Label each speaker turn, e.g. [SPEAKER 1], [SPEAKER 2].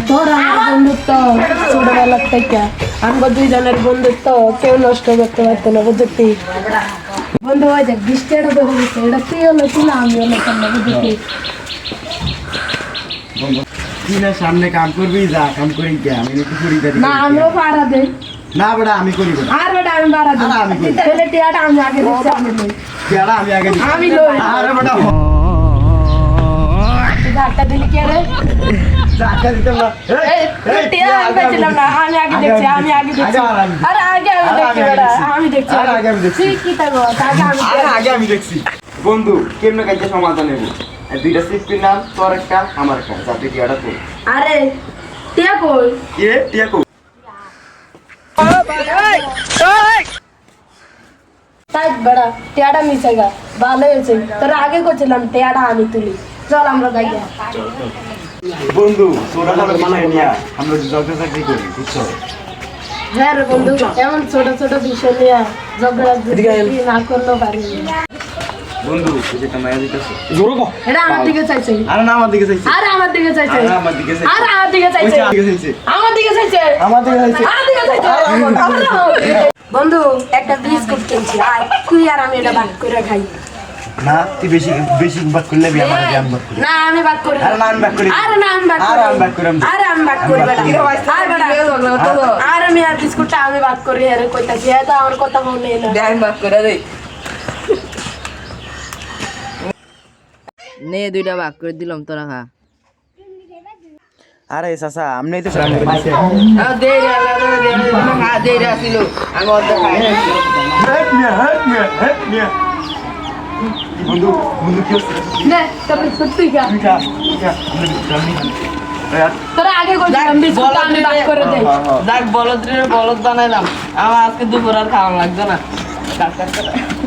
[SPEAKER 1] তোর আমার বন্ধুত্ব ছোটবেলার থেকে আমরা দুইজনের বন্ধুত্ব কেউ নষ্ট করতে পারতো না বুঝতি বন্ধু হয়ে যাক 20 টাকা ধরে দিচ্ছে এটা তুই হলো তুই না আমি হলো তোমরা বুঝতি
[SPEAKER 2] তুই না সামনে কাম করবি যা কাম করি কে আমি একটু করি
[SPEAKER 1] না আমরাও পাড়া দেই
[SPEAKER 2] না বেটা আমি করি বেটা
[SPEAKER 1] আর বেটা আমি পাড়া দেই
[SPEAKER 2] আমি করি
[SPEAKER 1] তাহলে টিয়াটা আমি আগে দিচ্ছি আমি লই
[SPEAKER 2] কেডা আমি আগে দিই
[SPEAKER 1] আমি লই
[SPEAKER 2] আরে বেটা
[SPEAKER 1] তুই ধাক্কা দিলি কে রে
[SPEAKER 2] টাকা দিতাম না
[SPEAKER 1] এই টিয়া আমি পেছিলাম না আমি আগে দেখছি আমি আগে দেখছি আরে আগে আমি দেখছি বেটা আমি দেখছি
[SPEAKER 2] আরে আগে আমি দেখছি
[SPEAKER 1] তুই কি থাকো আগে আমি
[SPEAKER 2] আরে আগে আমি দেখছি বন্ধু কেমনে কাজে সমাধান নেব দুইটা সিস্টেম নাম তোর একটা আমার একটা যাতে টিয়াটা কই
[SPEAKER 1] আরে টিয়া কই
[SPEAKER 2] কে টিয়া কই
[SPEAKER 1] তাই বড়া টিয়াটা মিশেগা ভালো হয়েছে তোর আগে করছিলাম টিয়াটা আমি তুলি চল আমরা যাই
[SPEAKER 2] বন্ধু তোরা ভালো মানা করিয়া আমরা জগতে চাকরি করি বুঝছো
[SPEAKER 1] হ্যাঁ রে বন্ধু এমন ছোট ছোট বিষয় নিয়ে ঝগড়া না করলেও পারি
[SPEAKER 2] বন্ধু যেটা মায়া দিতেছে জোরে কো
[SPEAKER 1] এটা আমার দিকে চাইছে
[SPEAKER 2] আরে না আমার দিকে চাইছে
[SPEAKER 1] আরে আমার দিকে চাইছে
[SPEAKER 2] আরে আমার দিকে চাইছে
[SPEAKER 1] আরে আমার দিকে চাইছে
[SPEAKER 2] ওই দিকে চাইছে
[SPEAKER 1] আমার দিকে চাইছে
[SPEAKER 2] আমার দিকে চাইছে
[SPEAKER 1] আমার দিকে চাইছে বন্ধু একটা বিস্কুট কিনছি আয় তুই আর আমি এটা ভাগ করে খাই
[SPEAKER 2] না তুই বেশি বেশি বাদ করলে আমি আমার জ্ঞান বাদ করি
[SPEAKER 1] না আমি ভাগ করি
[SPEAKER 2] আরে না আমি বাদ করি
[SPEAKER 1] আরে না আমি ভাগ
[SPEAKER 2] আরে আমি ভাগ করি
[SPEAKER 1] আরে আমি ভাগ করি আর আমি আর বিস্কুটটা আমি ভাগ করি আরে কইতাছি এটা আমার কথা মনে না
[SPEAKER 3] দেখ বাপ করে দে নে দুইটা ভাগ করে দিলাম তোরা খা
[SPEAKER 2] আরে চাচা আমনেই তো সামনে দিছে
[SPEAKER 3] দে রে দে খা দে রে আসিল আমি অর্ধ খাই
[SPEAKER 2] হেট মিয়া বন্ধু বন্ধু কি হচ্ছে
[SPEAKER 1] নে তো বিস্কুট তুই খা
[SPEAKER 2] তুই খা আমি
[SPEAKER 1] তোরা আগে কইছিলাম বিস্কুটটা আমি ভাগ করে দেই
[SPEAKER 3] দেখ বলদ বানাইলাম আমার আজকে দুপুর আর খাওয়া লাগবে না